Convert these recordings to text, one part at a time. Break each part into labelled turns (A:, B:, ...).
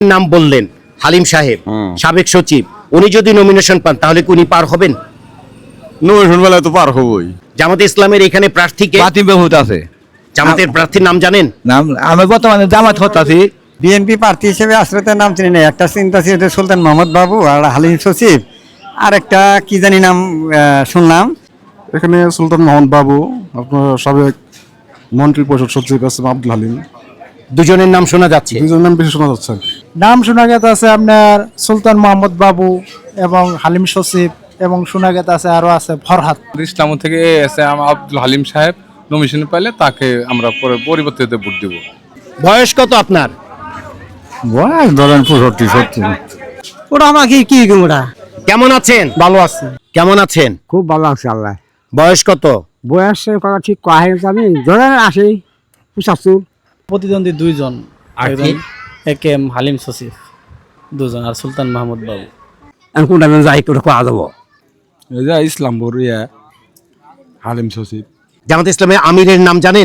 A: নাম বললেন হালিম সাহেব, সাবেক সচিব, উনি যদি নমিনেশন পান তাহলে কি উনি পার হবেন?
B: নমিনেশন বেলায় তো পার হবই।
A: জামাতে ইসলামের এখানে প্রার্থীকে
B: বাতিল বহুত আছে।
A: জামাতের প্রার্থীর নাম জানেন?
B: নাম আমি বর্তমানে জামাত হতাছি।
C: বিএনপি প্রার্থী হিসেবে আশ্রয়তার নাম চিনি না। একটা চিন্তা ছিল সুলতান মোহাম্মদ বাবু আর হালিম সচিব, আর একটা কি জানি নাম শুনলাম।
D: এখানে সুলতান মোহাম্মদ বাবু, আপনার সাবেক মন্ত্রী পরিষদ সচিব এস এম আব্দুল হালিম,
A: দুজনের নাম শোনা যাচ্ছে।
D: দুজন নাম বেশি শোনা যাচ্ছে।
E: নাম শোনা গেছে আছে আপনার সুলতান মোহাম্মদ বাবু এবং হালিম সচিব, এবং শোনা গেছে আছে আরো আছে ফরহাদ।
F: ইসলাম থেকে এসে আব্দুল হালিম সাহেব নমিনেশন পাইলে তাকে আমরা পরে পরিবর্তিত ভোট দিব।
A: বয়স কত আপনার?
B: বয়স ধরেন 65-70।
C: ওরা আমাকে কি ওরা
A: কেমন আছেন?
E: ভালো আছে,
A: কেমন আছেন?
C: খুব ভালো আছে আল্লাহ।
A: বয়স কত?
C: বয়সের কথা ঠিক কয়া আমি ধরেন আসি 75।
E: প্রতিদ্বন্দ্বী দুইজন,
A: আর কি?
E: একজন একে এম হালিম সচিব দুজন, আর সুলতান মাহমুদ বাবু।
C: আমি কোনটা যাই করে কোয়া দেবো।
B: এই যে ইসলামপুর হালিম সচিব।
A: জামাতে ইসলামের আমিরের নাম জানেন?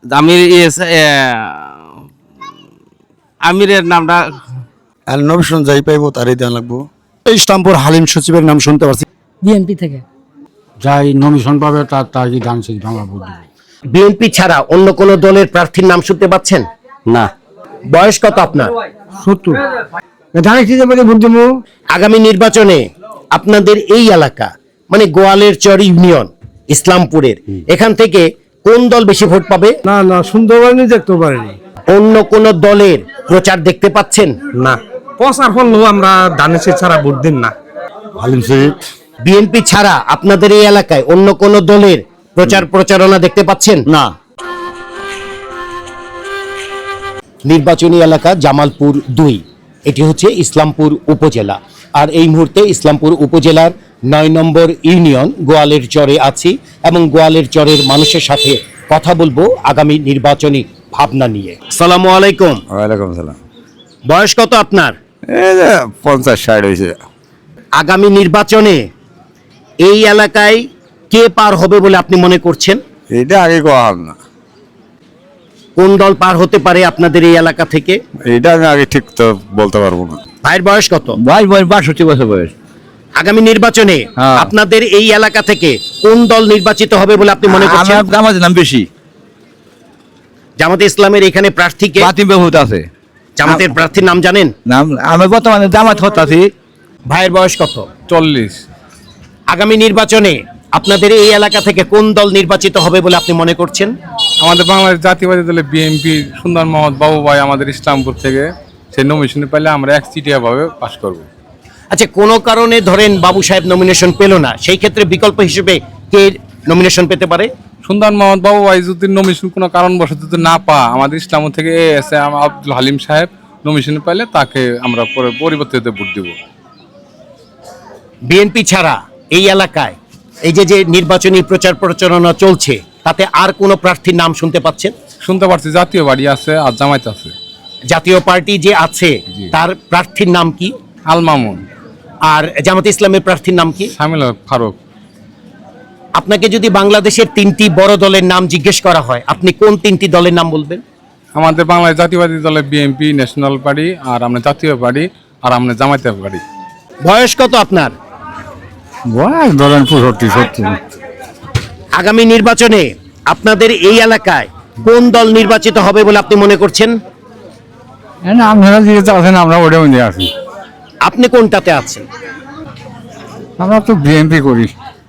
G: আমিরের নামটা
D: আর নমিনেশন যাই পাইবো তারই দেওয়া লাগবো। ইসলামপুর হালিম সচিবের নাম শুনতে পারছি।
H: বিএনপি থেকে
B: যাই নমিনেশন পাবে তার কি গান সচিব আমরা ভোট দিব।
A: বিএনপি ছাড়া অন্য কোন দলের প্রার্থীর নাম শুনতে পাচ্ছেন?
C: না,
A: বয়স কত আপনার?
C: 70। জানিছি যে বলে ভোট দেবো।
A: আগামী নির্বাচনে আপনাদের এই এলাকা মানে গোয়ালের চর ইউনিয়ন ইসলামপুরের এখান থেকে কোন দল বেশি ভোট পাবে?
C: না না, শুনতে পারিনি, দেখতে পারিনি।
A: অন্য কোন দলের প্রচার দেখতে পাচ্ছেন?
C: না, প্রচার করলেও আমরা দানেশের ছাড়া ভোট দিন না।
B: হালিম সচিব।
A: বিএনপি ছাড়া আপনাদের এই এলাকায় অন্য কোন দলের প্রচার প্রচারণা দেখতে পাচ্ছেন?
B: না।
A: নির্বাচনী এলাকা জামালপুর 2, এটি হচ্ছে ইসলামপুর উপজেলা। আর এই মুহূর্তে ইসলামপুর উপজেলার 9 নম্বর ইউনিয়ন গোয়ালের চরে আছি এবং গোয়ালের চরের মানুষের সাথে কথা বলবো আগামী নির্বাচনী ভাবনা নিয়ে। আসসালামু আলাইকুম।
B: ওয়ালাইকুম সালাম।
A: বয়স কত আপনার?
B: এই যে 50-60 হয়েছে।
A: আগামী নির্বাচনে এই এলাকায় কে পার হবে বলে আপনি মনে করছেন?
B: এটা আগে কোয়া হবে না।
A: কোন দল পার হতে পারে আপনাদের এই এলাকা থেকে?
B: এটা আমি আগে ঠিক তো বলতে পারবো না।
A: ভাইয়ের বয়স কত?
B: বয়স 62 বছর বয়স।
A: আগামী নির্বাচনে
B: হ্যাঁ।
A: আপনাদের এই এলাকা থেকে কোন দল নির্বাচিত হবে বলে আপনি মনে করছেন?
B: আমার নাম বেশি।
A: জামাতে ইসলামের এখানে প্রার্থীকে
B: বাতিল বহুত আছে।
A: জামাতের প্রার্থীর নাম জানেন?
B: নাম আমি বর্তমানে জামাত হতাছি।
A: ভাইয়ের বয়স কত?
F: 40।
A: আগামী নির্বাচনে আপনাদের এই এলাকা থেকে কোন দল নির্বাচিত হবে বলে আপনি মনে করছেন?
F: আমাদের বাংলাদেশ জাতীয়বাদী দলে বিএনপি সুন্দর মোহাম্মদ বাবু ভাই আমাদের ইসলামপুর থেকে সেই নমিনেশন পাইলে আমরা একচিটিয়া ভাবে পাশ করব।
A: আচ্ছা, কোনো কারণে ধরেন বাবু সাহেব নমিনেশন পেল না, সেই ক্ষেত্রে বিকল্প হিসেবে কে নমিনেশন পেতে পারে?
F: সুন্দর মোহাম্মদ বাবু ভাই যদি নমিনেশন কোনো কারণবশত যদি না পা আমাদের ইসলামপুর থেকে এসে আব্দুল হালিম সাহেব নমিনেশন পাইলে তাকে আমরা পরে পরিবর্তিত ভোট দিব।
A: বিএনপি ছাড়া এই এলাকায় এই যে নির্বাচনী প্রচার প্রচারণা চলছে তাতে আর কোনো প্রার্থীর নাম শুনতে পাচ্ছেন?
F: শুনতে পারছি জাতীয় বাড়ি আছে আর জামায়াত আছে।
A: জাতীয় পার্টি যে আছে তার প্রার্থীর নাম কি?
F: আল মামুন।
A: আর জামাতে ইসলামের প্রার্থীর নাম কি?
F: শামিল ফারুক।
A: আপনাকে যদি বাংলাদেশের 3টি বড় দলের নাম জিজ্ঞেস করা হয় আপনি কোন 3টি দলের নাম বলবেন?
F: আমাদের বাংলাদেশ জাতীয়বাদী দলে বিএনপি, ন্যাশনাল পার্টি, আর আমরা জাতীয় পার্টি, আর আমরা জামায়াতের পার্টি।
A: বয়স কত আপনার?
B: বয়স ধরেন 65-70।
A: আগামী নির্বাচনে আপনাদের এই এলাকায় কোন দল নির্বাচিত হবে বলে আপনি মনে করছেন?
B: আপনারা যেটা আছেন আমরা ওটা মধ্যে আছি।
A: আপনি কোনটাতে আছেন?
B: আমরা তো বিএনপি করি।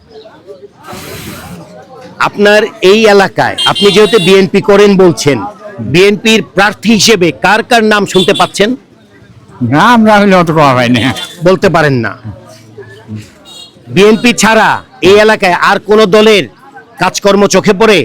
A: আপনার এই এলাকায় আপনি যেহেতু বিএনপি করেন বলছেন, বিএনপির প্রার্থী হিসেবে কার কার নাম শুনতে পাচ্ছেন?
B: না, আমরা হলে অত কোয়া পাই না।
A: বলতে পারেন না। বিএনপি ছাড়া এই এলাকায় আর কোন দলের কাজকর্ম চোখে পড়ে?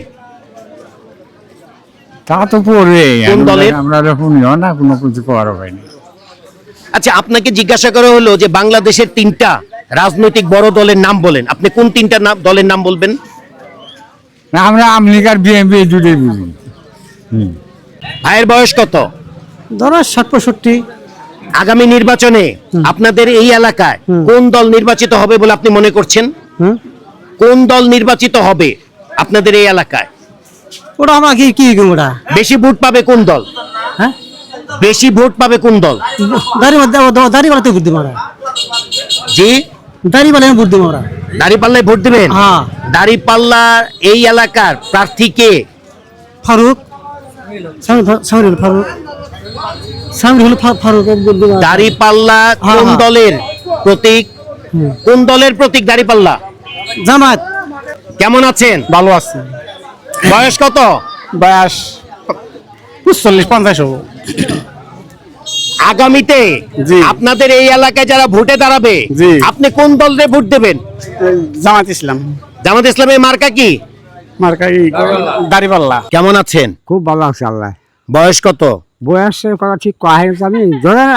B: তা তো পড়বে।
A: কোন দলের?
B: আমরা শুনিও না, কোনো কিছু করার পাই না।
A: আচ্ছা, আপনাকে জিজ্ঞাসা করা হলো যে বাংলাদেশের 3টা রাজনৈতিক বড় দলের নাম বলেন, আপনি কোন 3টা দলের নাম বলবেন?
B: না, আমরা আমলিকার বিএনপি দুটোই বুঝি।
A: ভাইয়ের বয়স কত?
C: ধরো 60-65।
A: আগামী নির্বাচনে আপনাদের এই এলাকায় কোন দল নির্বাচিত হবে বলে আপনি মনে করছেন? কোন দল নির্বাচিত হবে আপনাদের এই এলাকায়?
C: ওরা আমাকে কি ওরা
A: বেশি ভোট পাবে কোন দল?
C: হ্যাঁ,
A: বেশি ভোট পাবে কোন দল?
G: দাঁড়িপাল্লাতে ভোট দেবো আমরা,
A: জি,
G: দাঁড়িপাল্লায় ভোট দেবো আমরা।
A: দাঁড়িপাল্লায় ভোট দিবেন?
G: হ্যাঁ।
A: দাঁড়িপাল্লা এই এলাকার প্রার্থী কে?
G: ফারুক, সামিরুল ফারুক, সামিরুল ফারুক ভোট দেবো।
A: দাঁড়িপাল্লা কোন
G: হ্যাঁ।
A: দলের প্রতীক? কোন দলের প্রতীক দাঁড়িপাল্লা?
G: জামাত।
A: কেমন আছেন?
E: ভালো আছে।
A: বয়স কত?
E: বয়স 40-50 হবো।
A: আগামীতে
E: জি।
A: আপনাদের এই এলাকায় যারা ভোটে দাঁড়াবে,
E: জি।
A: আপনি কোন দলে ভোট দেবেন?
E: জামাত ইসলাম।
A: জামাত ইসলামের মার্কা কি?
E: মার্কাই দাঁড়িপাল্লা।
A: কেমন আছেন?
B: খুব ভালো আছে আল্লাহ।
A: বয়স কত?
B: বয়সের কথা ঠিক কয়া হয়েছে, আমি ধরেন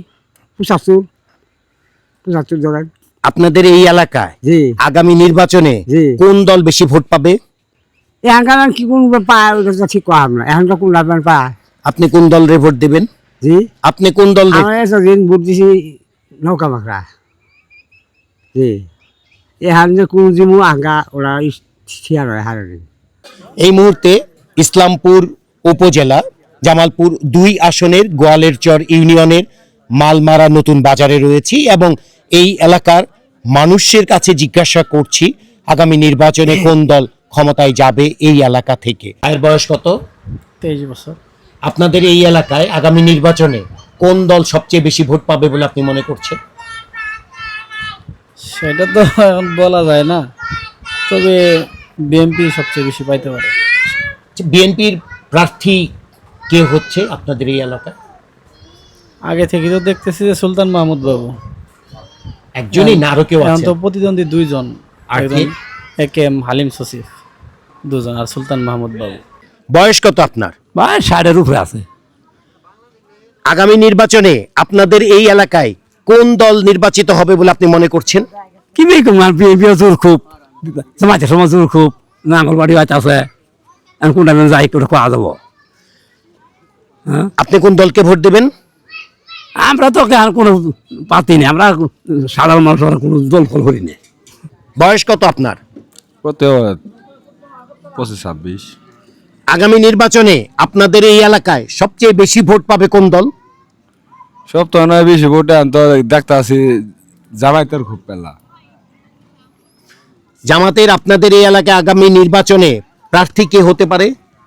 B: 75 ধরেন।
A: আপনাদের এই এলাকায়
B: জি
A: আগামী নির্বাচনে
B: জি।
A: কোন দল বেশি ভোট পাবে?
B: এখানকার কি কোন পায় ওটা তো ঠিক কয়া না, এখন তো কোন লাভবান পায়।
A: আপনি কোন দলের ভোট দেবেন?
B: জি
A: আপনি কোন দল?
B: আমরা এতদিন ভোট দিছি নৌকা মাকড়া। জি এখন যে কোন জিমু আঙ্গা ওরা ঠিয়ার হয় হারে।
A: এই মুহূর্তে ইসলামপুর উপজেলা জামালপুর 2 আসনের গোয়ালেরচর ইউনিয়নের মালমারা নতুন বাজারে রয়েছি এবং এই এলাকার মানুষের কাছে জিজ্ঞাসা করছি আগামী নির্বাচনে কোন দল ক্ষমতায় যাবে এই এলাকা থেকে। এর বয়স কত?
E: 23 বছর।
A: আপনাদের এই এলাকায় আগামী নির্বাচনে কোন দল সবচেয়ে বেশি ভোট পাবে বলে আপনি মনে করছেন?
H: সেটা তো এখন বলা যায় না, তবে বিএনপি সবচেয়ে বেশি পাইতে পারে।
A: বিএনপির প্রার্থী কে হচ্ছে আপনাদের এই এলাকায়?
H: আগে থেকে তো দেখতেছি যে সুলতান মাহমুদ বাবু,
A: একজনই না আরো কেউ
H: এখন
A: আছে?
H: তো প্রতিদ্বন্দ্বী 2 জন,
A: আর
H: একজন
A: কি?
H: একেএম হালিম সসিফ, 2 জন, আর সুলতান মাহমুদ বাবু।
A: বয়স কত আপনার?
B: বা 60-এর উপরে আছে।
A: আগামী নির্বাচনে আপনাদের এই এলাকায় কোন দল নির্বাচিত হবে বলে আপনি মনে করছেন?
B: কি বেকুমার বিএনপি জোর খুব, জামাতের সময় জোর খুব, নাঙ্গলবাড়ি হয়তো আছে, এখন কোনটা যাই করে কোয়া যাবো।
A: আপনি কোন দলকে ভোট দেবেন?
B: আমরা তো আর কোনো পাতি নেই, আমরা সাধারণ মানুষ কোনো দল ফল করি না।
A: বয়স কত আপনার?
D: কত 25-26।
A: আগামী নির্বাচনে আপনাদের এই এলাকায় সবচেয়ে বেশি ভোট পাবে কোন দল?
D: সব তো নয় বেশি ভোটে তো দেখতে আছি জামাইতের খুব পেলা।
A: জামাতের আপনাদের এই এলাকায় আগামী নির্বাচনে প্রার্থী কে হতে পারে?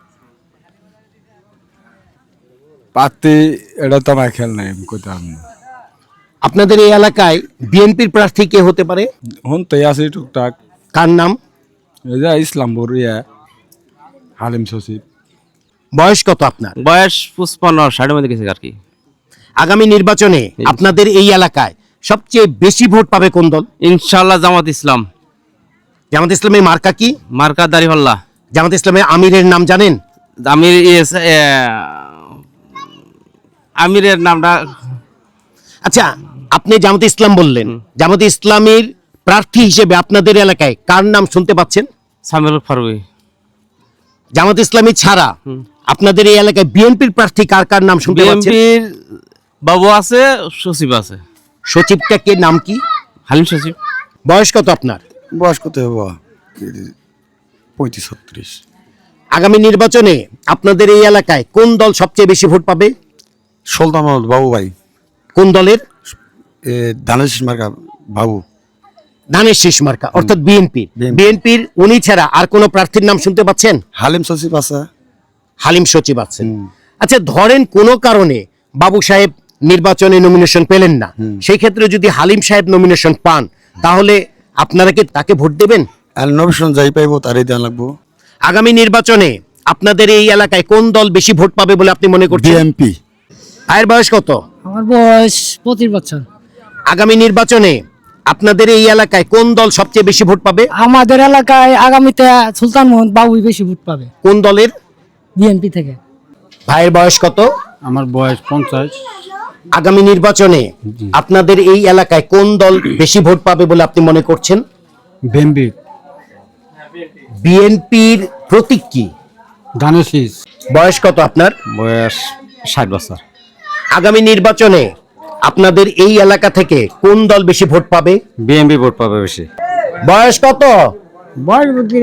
D: পাতি এটা তো আমার খেয়াল নাই, আমি কইতাম না।
A: আপনাদের এই এলাকায় বিএনপির প্রার্থী কে হতে পারে?
D: শুনতেই আছি টুকটাক।
A: কার নাম?
D: এই যে ইসলামপুর হালিম সচিব।
A: বয়স কত আপনার?
I: বয়স 55-60 মধ্যে গেছে আর কি।
A: আগামী নির্বাচনে আপনাদের এই এলাকায় সবচেয়ে বেশি ভোট পাবে কোন দল?
I: ইনশাআল্লাহ জামাত ইসলাম।
A: জামাত ইসলামের মার্কা কি?
I: মার্কা দাড়িপাল্লা।
A: জামাত ইসলামের আমিরের নাম জানেন?
I: আমির আমিরের নামটা
A: আচ্ছা, আপনি জামাত ইসলাম বললেন, জামাত ইসলামের প্রার্থী হিসেবে আপনাদের এলাকায় কার নাম শুনতে পাচ্ছেন?
I: সামিরুল ফারুক।
A: জামাত ইসলামী ছাড়া আপনাদের এই এলাকায় বিএনপির প্রার্থী কার কার নাম শুনতে পাচ্ছেন?
I: বিএনপির বাবু আছে, সচিব আছে।
A: সচিবটা কে, নাম কি?
I: হালিম সচিব।
A: বয়স কত আপনার?
J: বয়স কত হবো? 35-36।
A: আগামী নির্বাচনে আপনাদের এই এলাকায় কোন দল সবচেয়ে বেশি ভোট পাবে?
J: সুলতান মাহমুদ বাবু ভাই।
A: কোন দলের?
J: ধানের শীষ মার্কা বাবু।
A: ধানের শীষ মার্কা, অর্থাৎ বিএনপি। বিএনপির উনি ছাড়া আর কোন প্রার্থীর নাম শুনতে পাচ্ছেন?
J: হালিম সচিব আছে।
A: হালিম সচিব আছেন। আচ্ছা, ধরেন কোনো কারণে বাবু সাহেব নির্বাচনে নমিনেশন পেলেন না, সেই ক্ষেত্রে যদি হালিম সাহেব নমিনেশন পান, তাহলে আপনারা কি তাকে ভোট দেবেন?
J: আর নমিনেশন যাই পাইবো তারই দেওয়া লাগবো।
A: আগামী নির্বাচনে আপনাদের এই এলাকায় কোন দল বেশি ভোট পাবে বলে আপনি মনে করছেন?
J: বিএনপি।
A: ভাইয়ের বয়স কত?
G: আমার বয়স 25 বছর।
A: আগামী নির্বাচনে আপনাদের এই এলাকায় কোন দল সবচেয়ে বেশি ভোট পাবে?
G: আমাদের এলাকায় আগামীতে সুলতান মোহাম্মদ বাবুই বেশি ভোট পাবে,
A: কোন দলের?
G: বিএনপি থেকে।
A: ভাইয়ের বয়স কত?
B: আমার বয়স 50।
A: আগামী নির্বাচনে আপনাদের এই এলাকায় কোন দল বেশি ভোট পাবে বলে আপনি মনে করছেন?
B: বিএনপি।
A: বিএনপির প্রতীক কি?
B: ধানের শীষ।
A: বয়স কত আপনার?
I: বয়স 60 বছর।
A: আগামী নির্বাচনে আপনাদের এই এলাকা থেকে কোন দল বেশি ভোট পাবে?
I: বিএনপি ভোট পাবে বেশি।
A: বয়স কত?
B: বয়স বুদ্ধি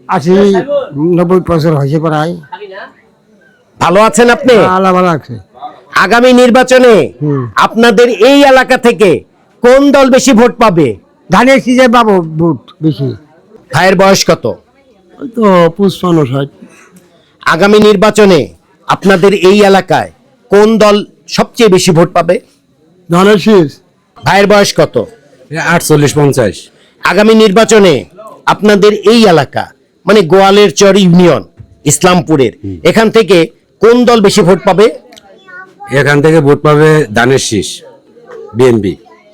B: 80-90 বছর হয়েছে প্রায়।
A: ভালো আছেন আপনি?
B: আল্লাহ ভালো আছে।
A: আগামী নির্বাচনে আপনাদের এই এলাকা থেকে কোন দল বেশি ভোট পাবে?
B: ধানের সিজে পাবো ভোট বেশি।
A: ভাইয়ের বয়স কত?
B: তো 55-60।
A: আগামী নির্বাচনে আপনাদের এই এলাকায় কোন দল সবচেয়ে বেশি ভোট পাবে?
B: ধানের শীষ।
A: ভাইয়ের বয়স কত?
I: 48-50।
A: আগামী নির্বাচনে আপনাদের এই এলাকা মানে গোয়ালের চর ইউনিয়ন ইসলামপুরের এখান থেকে কোন দল বেশি ভোট পাবে?
I: এখান থেকে ভোট পাবে ধানের শীষ, বিএনপি।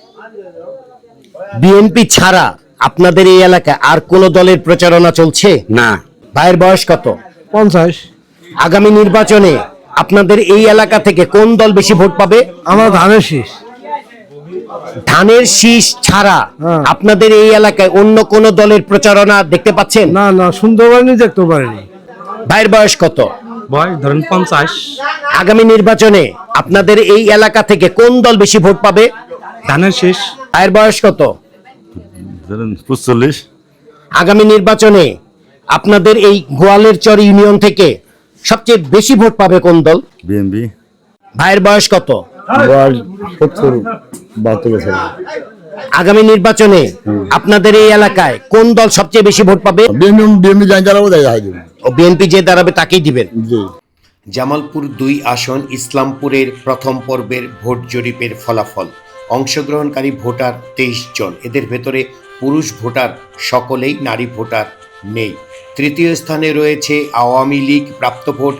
A: বিএনপি ছাড়া আপনাদের এই এলাকায় আর কোন দলের প্রচারণা চলছে?
I: না।
A: ভাইয়ের বয়স কত?
B: 50।
A: আগামী নির্বাচনে আপনাদের এই এলাকা থেকে কোন দল বেশি ভোট পাবে?
B: আমার ধানের শীষ।
A: ধানের শীষ ছাড়া আপনাদের এই এলাকায় অন্য কোন দলের প্রচারণা দেখতে পাচ্ছেন?
B: না না, শুনতে পারিনি, দেখতে পারিনি।
A: ভাইয়ের বয়স কত?
I: বয় ধরেন 50।
A: আগামী নির্বাচনে আপনাদের এই এলাকা থেকে কোন দল বেশি ভোট পাবে?
I: ধানের শীষ।
A: ভাইয়ের বয়স কত?
J: ধরেন 45।
A: আগামী নির্বাচনে আপনাদের এই গোয়ালের চর ইউনিয়ন থেকে সবচেয়ে বেশি ভোট পাবে কোন দল?
J: বিএনপি।
A: ভাইয়ের বয়স কত?
B: বয়স 70-72 বছর।
A: আগামী নির্বাচনে আপনাদের এই এলাকায় কোন দল সবচেয়ে বেশি ভোট পাবে?
J: বিএনপি যাই দাঁড়াবো তাই
A: ও বিএনপি যে দাঁড়াবে তাকেই দিবেন।
J: জি।
A: জামালপুর 2 আসন ইসলামপুরের প্রথম পর্বের ভোট জরিপের ফলাফল। অংশগ্রহণকারী ভোটার 23 জন, এদের ভেতরে পুরুষ ভোটার সকলেই, নারী ভোটার নেই। তৃতীয় স্থানে রয়েছে আওয়ামী লীগ, প্রাপ্ত ভোট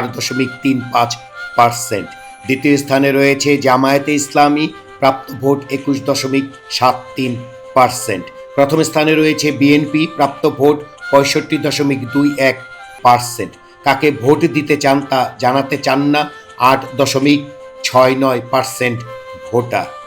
A: 4.35%। দ্বিতীয় স্থানে রয়েছে জামায়াতে ইসলামী, প্রাপ্ত ভোট 21.73%। প্রথম স্থানে রয়েছে বিএনপি, প্রাপ্ত ভোট 65.21%। কাকে ভোট দিতে চান তা জানাতে চান না 8.69% ভোটার।